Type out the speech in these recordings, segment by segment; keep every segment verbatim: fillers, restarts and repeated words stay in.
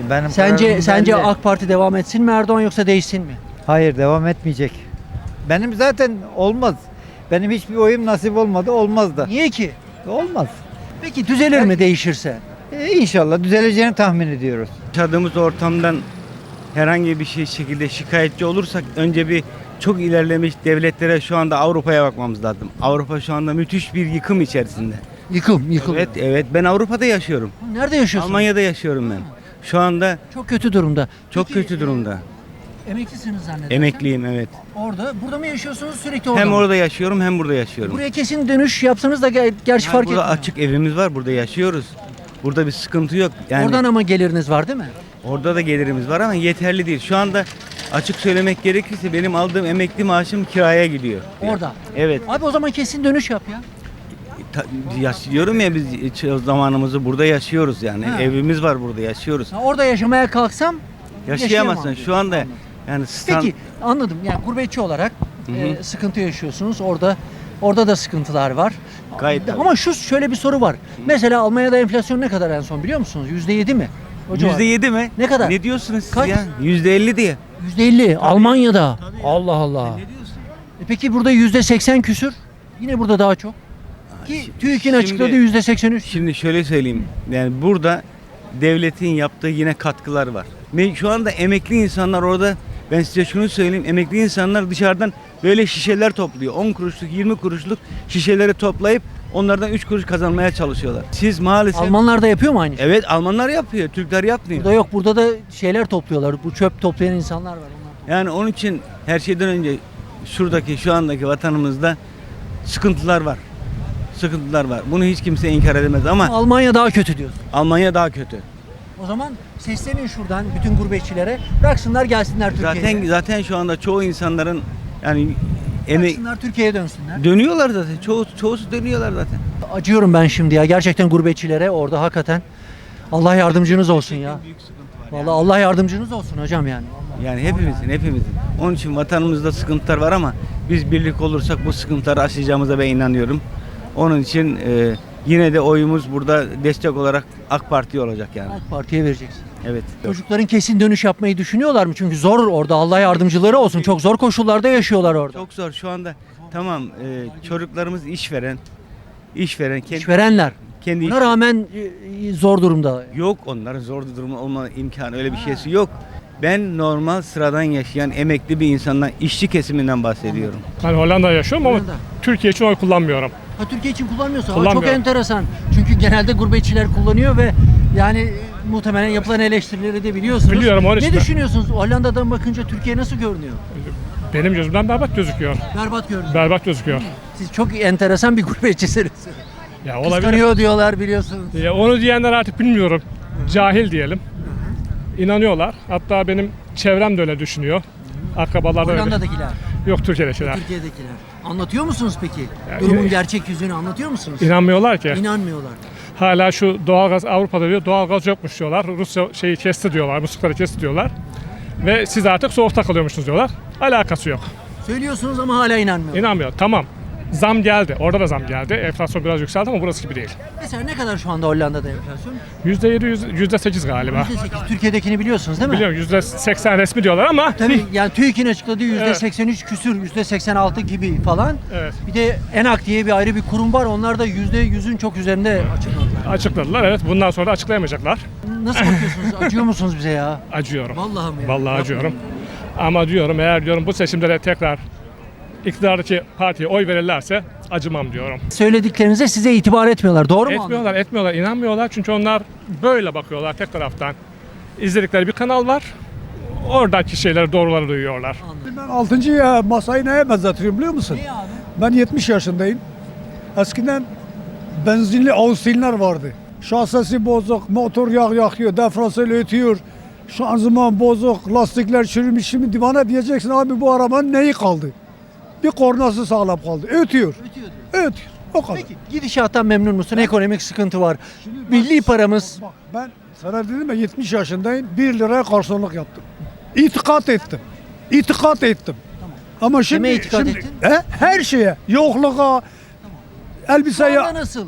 Benim Sence kararım sence belli. AK Parti devam etsin mi Erdoğan yoksa değişsin mi? Hayır, devam etmeyecek. Benim zaten olmaz. Benim hiçbir oyum nasip olmadı, olmaz da. Niye ki? Olmaz. Peki düzelir mi değişirse? E, İnşallah düzeleceğini tahmin ediyoruz. Yaşadığımız ortamdan herhangi bir şey şekilde şikayetçi olursak önce bir çok ilerlemiş devletlere şu anda Avrupa'ya bakmamız lazım. Avrupa şu anda müthiş bir yıkım içerisinde. Yıkım, yıkım. Evet, evet ben Avrupa'da yaşıyorum. Nerede yaşıyorsun? Almanya'da yaşıyorum ben. Şu anda Çok kötü durumda. çok Peki, kötü durumda. e, emeklisiniz zannedersem. Emekliyim, evet. Orada, burada mı yaşıyorsunuz sürekli orada Hem mı? orada yaşıyorum hem burada yaşıyorum. Buraya kesin dönüş yapsanız da ger- gerçi Yani fark burada etmiyor. açık evimiz var, burada yaşıyoruz. Burada bir sıkıntı yok. Yani Oradan ama geliriniz var değil mi? orada da gelirimiz var ama yeterli değil. Şu anda açık söylemek gerekirse benim aldığım emekli maaşım kiraya gidiyor. Orada. Evet. Abi o zaman kesin dönüş yap ya. Ta- yaşıyorum ya biz hiç zamanımızı burada yaşıyoruz yani. Ha. Evimiz var burada yaşıyoruz. Ha, orada yaşamaya kalksam Yaşayamazsın. yaşayamam Şu anda diyorsun. yani stand... Peki anladım. Yani gurbetçi olarak Hı hı. e, sıkıntı yaşıyorsunuz. Orada orada da sıkıntılar var. Gayet tabii. Ama şu şöyle bir soru var. Mesela Almanya'da enflasyon ne kadar en son biliyor musunuz? yüzde yedi mi? O civar. Yüzde yedi mi? Ne kadar? Ne diyorsunuz siz Kaç? ya? Yüzde elli diye. yüzde elli Almanya'da. Allah Allah. Ne diyorsun? E peki burada yüzde seksen küsür. Yine burada daha çok. Ki şi- TÜİK'in şimdi- açıkladığı yüzde seksen üç. Şimdi şöyle söyleyeyim. Yani burada devletin yaptığı yine katkılar var. Ve şu anda emekli insanlar orada, ben size şunu söyleyeyim. Emekli insanlar dışarıdan böyle şişeler topluyor. on kuruşluk, yirmi kuruşluk şişeleri toplayıp onlardan üç kuruş kazanmaya çalışıyorlar. Siz maalesef... Almanlar da yapıyor mu aynı şeyi? Evet, Almanlar yapıyor. Türkler yapmıyor. Burada yok. Burada da şeyler topluyorlar. Bu çöp toplayan insanlar var. Onlar. Yani onun için her şeyden önce şuradaki, şu andaki vatanımızda sıkıntılar var. Sıkıntılar var. Bunu hiç kimse inkar edemez ama Almanya daha kötü diyorsun. Almanya daha kötü. O zaman seslenin şuradan bütün gurbetçilere. Bıraksınlar gelsinler Türkiye'ye. Zaten zaten şu anda çoğu insanların yani emek Bıraksınlar Türkiye'ye dönsünler. dönüyorlar zaten. Çoğu çoğusu dönüyorlar zaten. Acıyorum ben şimdi ya. Gerçekten gurbetçilere orada hakikaten. Allah yardımcınız olsun ya. Büyük sıkıntı var. Vallahi Allah yardımcınız olsun hocam yani. Yani hepimizin, hepimizin. Onun için vatanımızda sıkıntılar var ama biz birlik olursak bu sıkıntıları aşacağımıza ben inanıyorum. Onun için e, yine de oyumuz burada destek olarak AK Parti olacak yani. AK Parti'ye vereceksin. Evet. Çocukların kesin dönüş yapmayı düşünüyorlar mı? Çünkü zor orada. Allah yardımcıları olsun. Çok zor koşullarda yaşıyorlar orada. Çok zor şu anda. Tamam, e, çocuklarımız işveren, işveren kendi, İşverenler. kendi Buna rağmen e, zor durumda. yok, onların zor durumu olma imkanı, öyle bir şeysi yok. Ben normal sıradan yaşayan emekli bir insandan, işçi kesiminden bahsediyorum. Ben Hollanda'da yaşıyorum ama Hollanda. Türkiye için oy kullanmıyorum. Ha, Türkiye için kullanmıyorsun. Aa, çok Kullanmıyorum. enteresan. Çünkü genelde gurbetçiler kullanıyor ve yani e, muhtemelen yapılan eleştirileri de biliyorsunuz. Biliyorum, onun Ne için de. düşünüyorsunuz? Hollanda'dan bakınca Türkiye nasıl görünüyor? Benim gözümden berbat gözüküyor. Berbat görünüyor. Berbat gözüküyor. Siz çok enteresan bir gurbetçisiniz. Ya olabilir. Kıskanıyor diyorlar biliyorsunuz. Ya onu diyenler artık bilmiyorum. Cahil diyelim. İnanıyorlar. Hatta benim çevrem de öyle düşünüyor. Akrabalar da öyle. Hollanda'dakiler, Yok Türkiye'dekiler. Türkiye'dekiler. Anlatıyor musunuz peki? Ya, Durumun ya- gerçek yüzünü anlatıyor musunuz? İnanmıyorlar ki. İnanmıyorlar. Hala şu doğalgaz Avrupa'da diyor. Doğalgaz yokmuş diyorlar. Rusya şeyi kesti diyorlar. Muslukları kesti diyorlar. Ve siz artık soğukta kalıyormuşsunuz diyorlar. Alakası yok. Söylüyorsunuz ama hala inanmıyorlar. İnanmıyor. Tamam. Zam geldi. Orada da zam geldi. Enflasyon biraz yükseldi ama burası gibi değil. Mesela ne kadar şu anda Hollanda'da enflasyon? yüzde yedi, yüzde sekiz galiba. yüzde sekiz. Türkiye'dekini biliyorsunuz değil mi? Biliyorum yüzde seksen resmi diyorlar ama Tabii yani TÜİK'in açıkladığı yüzde Evet. seksen üç küsür, yüzde seksen altı gibi falan. Evet. Bir de ENAK diye bir ayrı bir kurum var. Onlar da yüzde yüzün çok üzerinde açıkladılar. açıkladılar. Evet, bundan sonra da açıklayamayacaklar. Nasıl bakıyorsunuz? Acıyor musunuz bize ya? Acıyorum. Vallahi mi ya? Vallahi Yapmayın acıyorum. ya. Ama diyorum eğer diyorum bu seçimde de tekrar iktidardaki partiye oy verirlerse acımam diyorum. Söylediklerinize size itibar etmiyorlar. Doğru mu? Etmiyorlar, etmiyorlar, inanmıyorlar çünkü onlar böyle bakıyorlar tek taraftan. İzledikleri bir kanal var. Oradaki şeyleri, doğruları duyuyorlar. Ben altıncı ya masayı neye benzetiyorum biliyor musun? Niye abi? Ben yetmiş yaşındayım. Eskiden benzinli Austilinler vardı. Şasisi bozuk, motor yağ yakıyor, diferansiyel ötüyor. Şanzıman bozuk, lastikler çürümüş. Şimdi bana diyeceksin abi bu arabanın neyi kaldı? Bir kornası sağlam kaldı. Ötüyor. Ötüyor diyor. Ötüyor. O kadar. Peki gidişattan memnun musun? Ekonomik sıkıntı var. Milli paramız Bak ben sana dedim ya yetmiş yaşındayım. bir liraya garsonluk yaptım. İtikat ettim. İtikat ettim. Ama şimdi, Kime itikat şimdi ettin? He? Her şeye, yokluğa, elbiseye. Şu anda nasıl? He?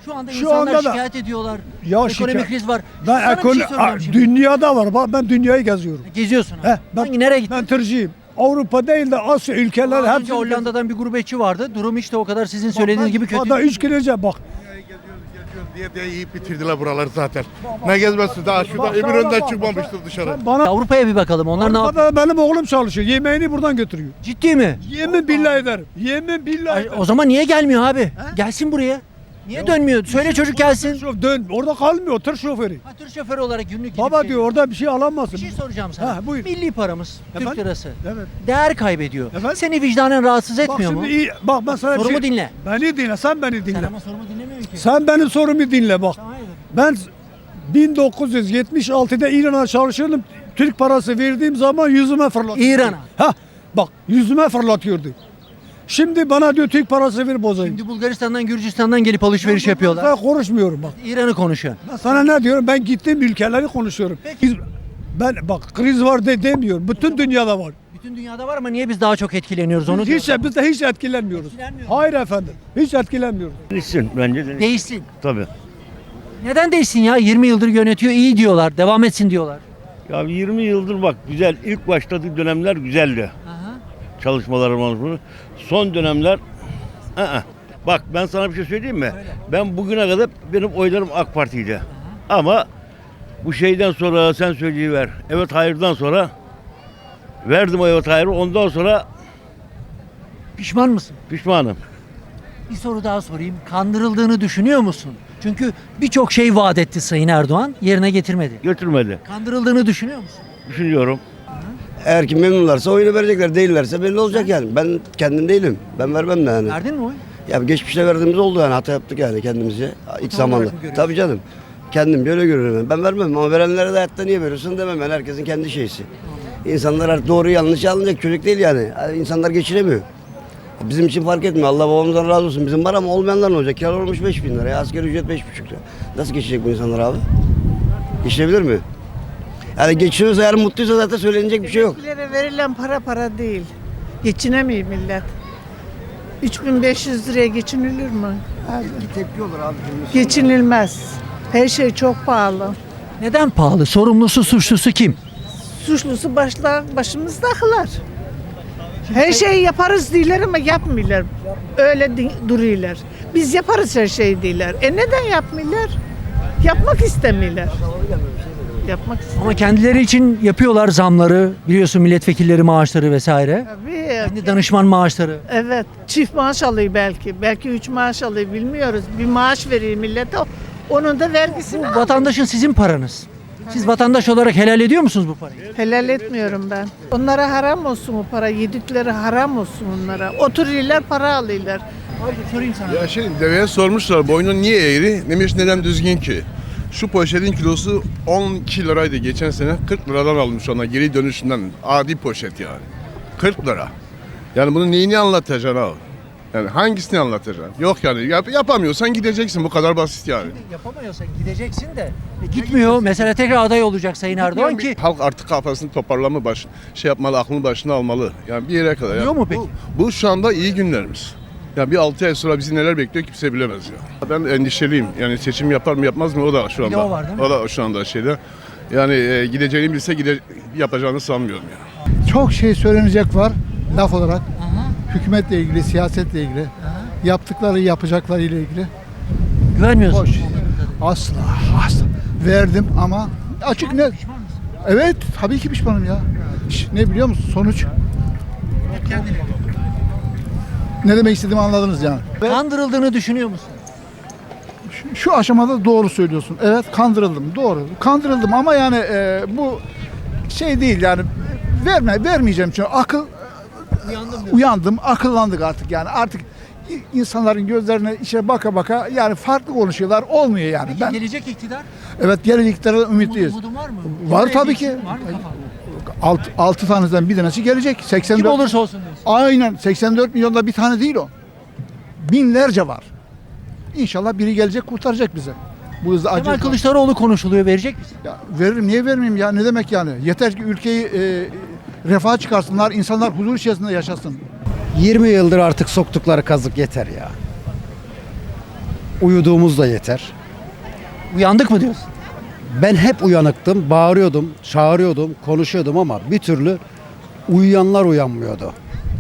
Şu anda Şu insanlar anda da- şikayet ediyorlar. Ya Ekonomik şikayet- kriz var. Ben Sana bir şey ekolo- soracağım a- şimdi. dünyada var. Bak ben dünyayı geziyorum. Geziyorsun. He, He, ben, Hangi nereye gittin? Ben tırcıyım. Avrupa değil de Asya ülkeler Daha hepsi. önce Hollanda'dan bir gurbetçi vardı. Durum işte o kadar sizin söylediğiniz gibi kötü. Hatta üç gün önce bak. diye diye yiyip bitirdiler buraları zaten. Ne gezmesi daha şurada Eminönü'nden çıkmamıştır dışarı. Sen bana Avrupa'ya bir bakalım. Onlar ne yapıyor? Avrupa'da benim oğlum çalışıyor. Yemeğini buradan götürüyor. Ciddi mi? Yemin billahi ederim. Yemin billahi Ay, ederim. O zaman niye gelmiyor abi? Gelsin buraya. Niye dönmüyor? Söyle çocuk gelsin. Şof- Dön. Orada kalmıyor tır şoförü. Ha, tır şoförü olarak günlük gidip Baba geliyor. diyor orada bir şey alamazsın. Bir şey soracağım sana. Ha, buyur. Milli paramız, Efendim? Türk lirası. Evet. Değer kaybediyor. Efendim? Seni vicdanen rahatsız Bak etmiyor şimdi mu? iyi. Bak ben sana bir Sorumu şey... dinle. Beni dinle. Sen beni dinle. Sen Sen, ama sorumu dinlemiyorsun ki. benim sorumu dinle bak. Hayır. Ben bin dokuz yüz yetmiş altıda İran'a çalışıyordum. Türk parası verdiğim zaman yüzüme fırlatıyordu. İran'a? Ha bak yüzüme fırlatıyordu. Şimdi bana diyor Türk parası ver bozayım. Şimdi Bulgaristan'dan, Gürcistan'dan gelip alışveriş yapıyorlar. Ben konuşmuyorum bak. İran'ı konuşuyor. Ben sana ne diyorum? Ben gittiğim ülkeleri konuşuyorum. Biz- Ben bak kriz var de demiyorum. Bütün dünyada var. Bütün dünyada var ama niye biz daha çok etkileniyoruz onu Biz hiç, diyorum. biz de hiç etkilenmiyoruz. Etkilenmiyor. Hayır efendim. Hiç etkilenmiyoruz. Değişsin bence de. Değişsin. Tabii. Neden değişsin ya? yirmi yıldır yönetiyor, iyi diyorlar, devam etsin diyorlar. Ya yirmi yıldır bak güzel. İlk başladığı dönemler güzeldi. Aha. Çalışmalarımız bunu. Son dönemler ı-ı. Bak ben sana bir şey söyleyeyim mi? Ben bugüne kadar benim oylarım AK Parti'ydi. Ama bu şeyden sonra sen söyleyiver. Evet hayırdan sonra verdim o evet hayırı. Ondan sonra Pişman mısın? pişmanım. Bir soru daha sorayım. Kandırıldığını düşünüyor musun? Çünkü birçok şey vaat etti Sayın Erdoğan, yerine getirmedi. Götürmedi. Kandırıldığını düşünüyor musun? Düşünüyorum. Eğer ki memnunlarsa oyunu verecekler, değillerse belli olacak yani. Ben kendim değilim. Ben vermem de yani. Verdin mi oy? Ya geçmişte verdiğimiz oldu yani. Hata yaptık yani kendimizce. İlk zamanda. olarak mı görüyorsun? Tabii canım. Kendimce öyle görüyorum ben. Ben vermem ama verenlere de hayatta niye veriyorsun demem ben. Herkesin kendi şeysi. İnsanlar artık doğru yanlış alınacak çocuk değil yani. İnsanlar geçinemiyor. Bizim için fark etmiyor. Allah babamızdan razı olsun. Bizim var ama olmayanlar ne olacak? Kira olmuş beş bin lira. Ya. Asgari ücret beş buçuk lira. Nasıl geçecek bu insanlar abi? Geçinebilir mi? Yani geçiniyorsa eğer mutluysa zaten söylenecek bir şey yok. Emeklilere verilen para para değil. Geçinemiyor millet. üç bin beş yüz liraya geçinilir mi? Tepki olur abi. Geçinilmez. Her şey çok pahalı. Neden pahalı? Sorumlusu, suçlusu kim? Suçlusu başla, başımızdakiler. Her şeyi yaparız diyorlar ama yapmıyorlar. Öyle di- duruyorlar. Biz yaparız her şeyi diyorlar. E neden yapmıyorlar? Yapmak istemiyorlar. Yapmak istemiyorlar. Ama kendileri için yapıyorlar zamları, biliyorsun milletvekilleri maaşları vesaire. Tabii. Kendi danışman maaşları. Evet. Çift maaş alıyor belki. Belki üç maaş alıyor bilmiyoruz. Bir maaş veriyor millete. Onun da vergisini Bu alıyor. vatandaşın sizin paranız. Siz vatandaş olarak helal ediyor musunuz bu parayı? Helal etmiyorum ben. Onlara haram olsun o para. Yedikleri haram olsun onlara. Oturuyorlar para alıyorlar. Abi sorayım sana. Ya şey deveye sormuşlar boynun niye eğri? Demiş neden düzgün ki? Şu poşetin kilosu on iki liraydı geçen sene. kırk liradan almış ona geri dönüşünden. Adi poşet yani. kırk lira. Yani bunu neyini anlatacaksın abi? Yani hangisini anlatacaksın? Yok yani yap, yapamıyorsan gideceksin bu kadar basit yani. Yapamıyorsan gideceksin de. E, gitmiyor. Mesela tekrar aday olacak Sayın Erdoğan ki. Halk artık kafasını toparlama baş, şey yapmalı, aklını başına almalı. Yani bir yere kadar. Oluyor Yani mu peki? Bu, bu şu anda iyi günlerimiz. Ya bir altı ay sonra bizi neler bekliyor kimse bilemez ya. Ben endişeliyim. Yani seçim yapar mı yapmaz mı o da şu Bir de anda. o var değil mi? O da şu anda şeyde. Yani e, gideceğini bilse gide, yapacağını sanmıyorum ya. Çok şey söylenecek var laf olarak. Hükümetle ilgili, siyasetle ilgili. Yaptıkları, yapacakları ile ilgili. Güvenmiyorsun. Boş. Asla, asla. Verdim ama açık ne? Evet, tabii ki pişmanım ya. Ş- Ne biliyor musun? Sonuç. Ne demek istediğimi anladınız yani. Ve Kandırıldığını düşünüyor musun? şu- şu aşamada doğru söylüyorsun. Evet, kandırıldım. Doğru. Kandırıldım ama yani e, bu şey değil yani verme vermeyeceğim çünkü akıl Uyandım uyandım, akıllandık artık yani artık i- insanların gözlerine içe baka baka yani farklı konuşuyorlar olmuyor yani. Peki Ben gelecek iktidar? evet geleceklerden ümitliyiz. Umudun var mı? Var Umut tabii edeceksin. ki. Var mı kafanda? Alt, altı taneden bir tanesi gelecek. seksen dört Kim olursa olsun diyorsun. Aynen seksen dört milyonda bir tane değil o. Binlerce var. İnşallah biri gelecek kurtaracak bize. Bu hızda Kemal acı. Kılıçdaroğlu konuşuluyor. Verecek misin? Ya veririm niye vermeyeyim ya ne demek yani? Yeter ki ülkeyi e, refaha çıkarsınlar, insanlar huzur içerisinde yaşasın. yirmi yıldır artık soktukları kazık yeter ya. uyuduğumuz da yeter. Uyandık mı diyorsun? Ben hep uyanıktım, bağırıyordum, çağırıyordum, konuşuyordum ama bir türlü uyuyanlar uyanmıyordu.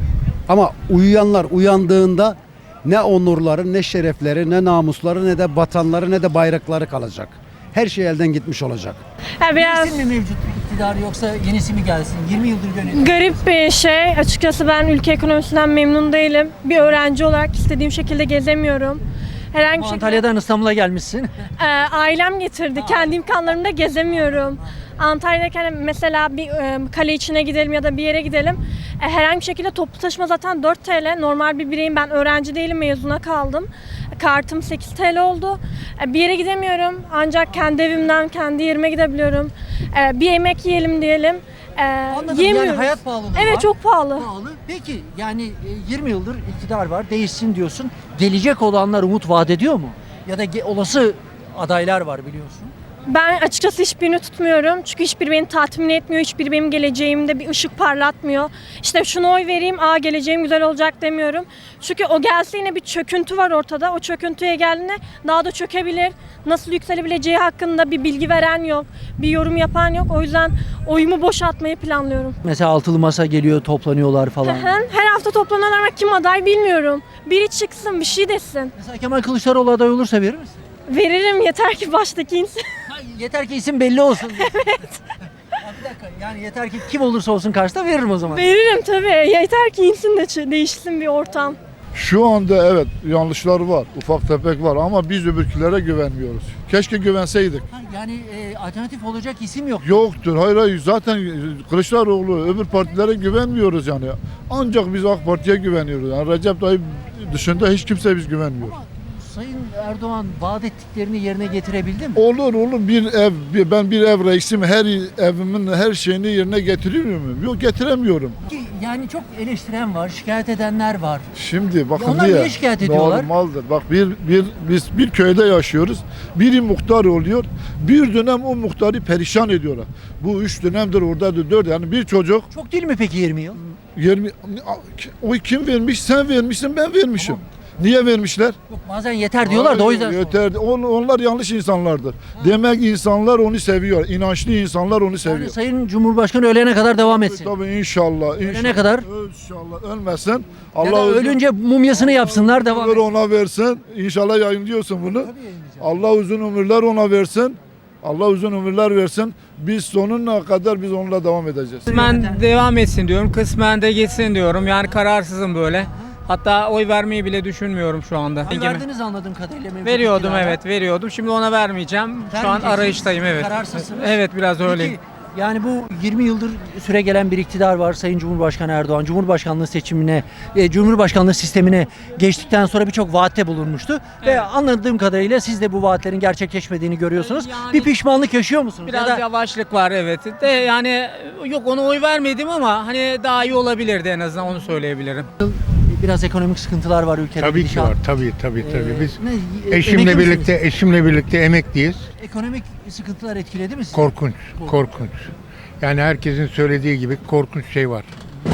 Ama uyuyanlar uyandığında ne onurları, ne şerefleri, ne namusları, ne de vatanları, ne de bayrakları kalacak. Her şey elden gitmiş olacak. Ya biraz Değişsin mi mevcut iktidar yoksa yenisi mi gelsin? yirmi yıldır yönetiyor. garip bir şey. Açıkçası ben ülke ekonomisinden memnun değilim. Bir öğrenci olarak istediğim şekilde gezemiyorum. Herhangi bir Ama şekilde Antalya'dan İstanbul'a gelmişsin. e, ailem getirdi. Kendi imkanlarımda gezemiyorum. Antalya'dayken mesela bir e, kale içine gidelim ya da bir yere gidelim. E, herhangi bir şekilde toplu taşıma zaten dört TL. Normal bir bireyim, ben öğrenci değilim, mezuna kaldım. Kartım sekiz TL oldu. E, bir yere gidemiyorum. Ancak kendi evimden kendi yerime gidebiliyorum. E, bir yemek yiyelim diyelim. E, Anladım. yemiyoruz. Yani hayat pahalılığı Evet, var. çok pahalı. Pahalı. Peki yani e, yirmi yıldır iktidar var, değişsin diyorsun. Gelecek olanlar umut vaat ediyor mu? Ya da ge- olası adaylar var biliyorsun. Ben açıkçası hiçbirini tutmuyorum. Çünkü hiçbiri beni tatmin etmiyor. Hiçbiri benim geleceğimde bir ışık parlatmıyor. İşte şuna oy vereyim, aa geleceğim güzel olacak demiyorum. Çünkü o gelse yine bir çöküntü var ortada. O çöküntüye geldiğinde daha da çökebilir. Nasıl yükselebileceği hakkında bir bilgi veren yok. Bir yorum yapan yok. O yüzden oyumu boş atmayı planlıyorum. Mesela altılı masa geliyor, toplanıyorlar falan. Hı hı. Her hafta toplananlar ama kim aday bilmiyorum. Biri çıksın, bir şey desin. Mesela Kemal Kılıçdaroğlu aday olursa verir misin? Veririm, yeter ki baştaki insan. Ha, yeter ki isim belli olsun. Evet. Bir dakika, yani yeter ki kim olursa olsun karşıda veririm o zaman. Veririm tabii. Yeter ki insin de ç- değişsin bir ortam. Şu anda evet yanlışlar var, ufak tefek var ama biz öbürkülere güvenmiyoruz. Keşke güvenseydik. Ha, yani e, alternatif olacak isim yok. Yoktur. Hayır hayır zaten Kılıçdaroğlu öbür partilere güvenmiyoruz yani. Ancak biz AK Parti'ye güveniyoruz. Yani Recep Tayyip dışında hiç kimseye biz güvenmiyoruz. Ama Sayın Erdoğan vaat ettiklerini yerine getirebildi mi? Olur olur bir ev, bir- ben bir ev reisim her evimin her şeyini yerine getiriyor muyum? Yok getiremiyorum. Ki yani çok eleştiren var, şikayet edenler var. Şimdi bakın onlar diye. niye şikayet ediyorlar? Normaldir. Bak bir, bir biz bir köyde yaşıyoruz. Biri muhtar oluyor. Bir dönem o muhtarı perişan ediyorlar. Bu üç dönemdir oradadır dört. Yani bir çocuk Çok değil mi peki yirmi yıl? yirmi o kim vermiş? Sen vermişsin, ben vermişim. Niye vermişler? Yok bazen yeter diyorlar da o yüzden. Hayır, yeter. On- Onlar yanlış insanlardır. Demek insanlar onu seviyor. İnançlı insanlar onu seviyor. Yani Sayın Cumhurbaşkanı ölene kadar devam etsin. Tabii inşallah. Ölene inşallah. kadar? İnşallah ölmesin. Ya Allah da uzun ölünce mumyasını yapsınlar devam ömür etsin. ona versin. İnşallah yayınlıyorsun bunu. Allah uzun ömürler ona versin. Allah uzun ömürler versin. Biz sonuna kadar biz onunla devam edeceğiz. Kısmen devam etsin diyorum, kısmen de gitsin diyorum. Yani kararsızım böyle. Hatta oy vermeyi bile düşünmüyorum şu anda. Oy verdiniz anladığım kadarıyla. mevcut Veriyordum iktidara. evet, veriyordum. Şimdi ona vermeyeceğim. Şu an Vermeyeceksiniz. arayıştayım evet. Kararsızsınız. Evet biraz öyleyim. Peki yani bu yirmi yıldır süre gelen bir iktidar var. Sayın Cumhurbaşkanı Erdoğan Cumhurbaşkanlığı seçimine, e, Cumhurbaşkanlığı sistemine geçtikten sonra birçok vaatte bulunmuştu. Ve Evet. anladığım kadarıyla siz de bu vaatlerin gerçekleşmediğini görüyorsunuz. Yani- bir pişmanlık yaşıyor musunuz? Biraz Ya da yavaşlık var evet. De yani yok ona oy vermedim ama hani daha iyi olabilirdi en azından onu söyleyebilirim. biraz ekonomik sıkıntılar var ülkede. Tabii ki gidişat. var. Tabii tabii Ee, tabii. Biz ne- emekli eşimle misiniz? birlikte eşimle birlikte emekliyiz. Ekonomik sıkıntılar etkiledi mi sizi? Korkunç, korkunç. Yani herkesin söylediği gibi korkunç şey var.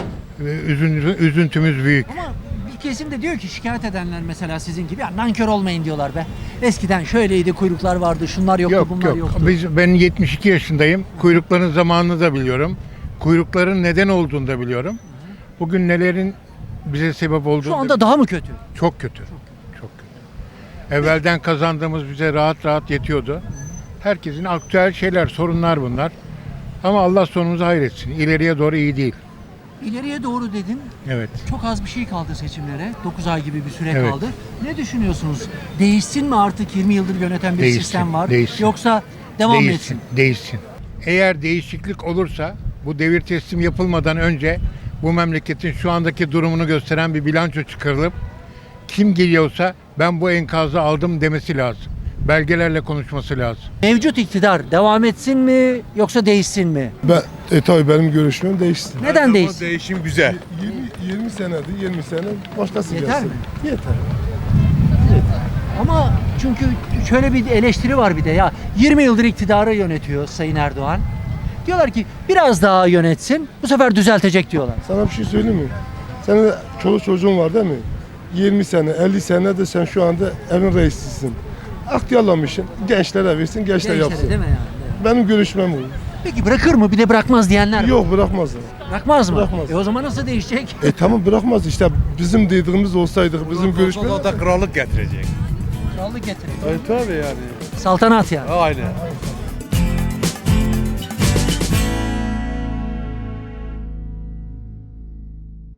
Ve üzüntü, üzüntümüz büyük. Ama bir kesim de diyor ki şikayet edenler mesela sizin gibi ya nankör olmayın diyorlar be. Eskiden şöyleydi, kuyruklar vardı, şunlar yoktu, Yok bunlar yok. yoktu. Biz, ben yetmiş iki yaşındayım. Kuyrukların zamanını da biliyorum. Kuyrukların neden olduğunu da biliyorum. Bugün nelerin bize sebep olduğunu Şu anda da daha mı kötü? Çok kötü. Çok kötü. Evvelden kazandığımız bize rahat rahat yetiyordu. Herkesin aktüel şeyler, sorunlar bunlar. Ama Allah sonumuzu hayretsin. İleriye doğru iyi değil. İleriye doğru dedin. Evet. Çok az bir şey kaldı seçimlere. dokuz ay gibi bir süre Evet. kaldı. Ne düşünüyorsunuz? Değişsin mi artık yirmi yıldır yöneten bir Değişsin, sistem var? değişsin. Yoksa devam mı değişsin, etsin? değişsin. Eğer değişiklik olursa bu devir teslim yapılmadan önce bu memleketin şu andaki durumunu gösteren bir bilanço çıkarılıp kim geliyorsa ben bu enkazı aldım demesi lazım. Belgelerle konuşması lazım. Mevcut iktidar devam etsin mi yoksa değişsin mi? Ben, e tabii benim görüşüm değişsin. Neden değişsin? Değişim güzel. yirmi, yirmi senedir, yirmi sene başkası Yeter gelsin. mi? Yeter. Ama çünkü şöyle bir eleştiri var bir de ya yirmi yıldır iktidarı yönetiyor Sayın Erdoğan. Diyorlar ki biraz daha yönetsin bu sefer düzeltecek diyorlar. Sana bir şey söyleyeyim mi? Senin de çoluk çocuğun var değil mi? yirmi sene, elli sene de sen şu anda evin reisisin. Aktiyarlamışsın. Gençlere versin, gençler Gençlere yapsın. değil mi yani? Benim görüşmem bu. Peki bırakır mı? Bir de bırakmaz diyenler var. Yok bırakmazlar. Bırakmaz mı? Bırakmaz. E o zaman nasıl değişecek? E tamam bırakmaz işte bizim dediğimiz olsaydı bizim görüşmemiz. O da krallık getirecek. Krallık getirecek. E tabii yani. Saltanat yani. Aynen.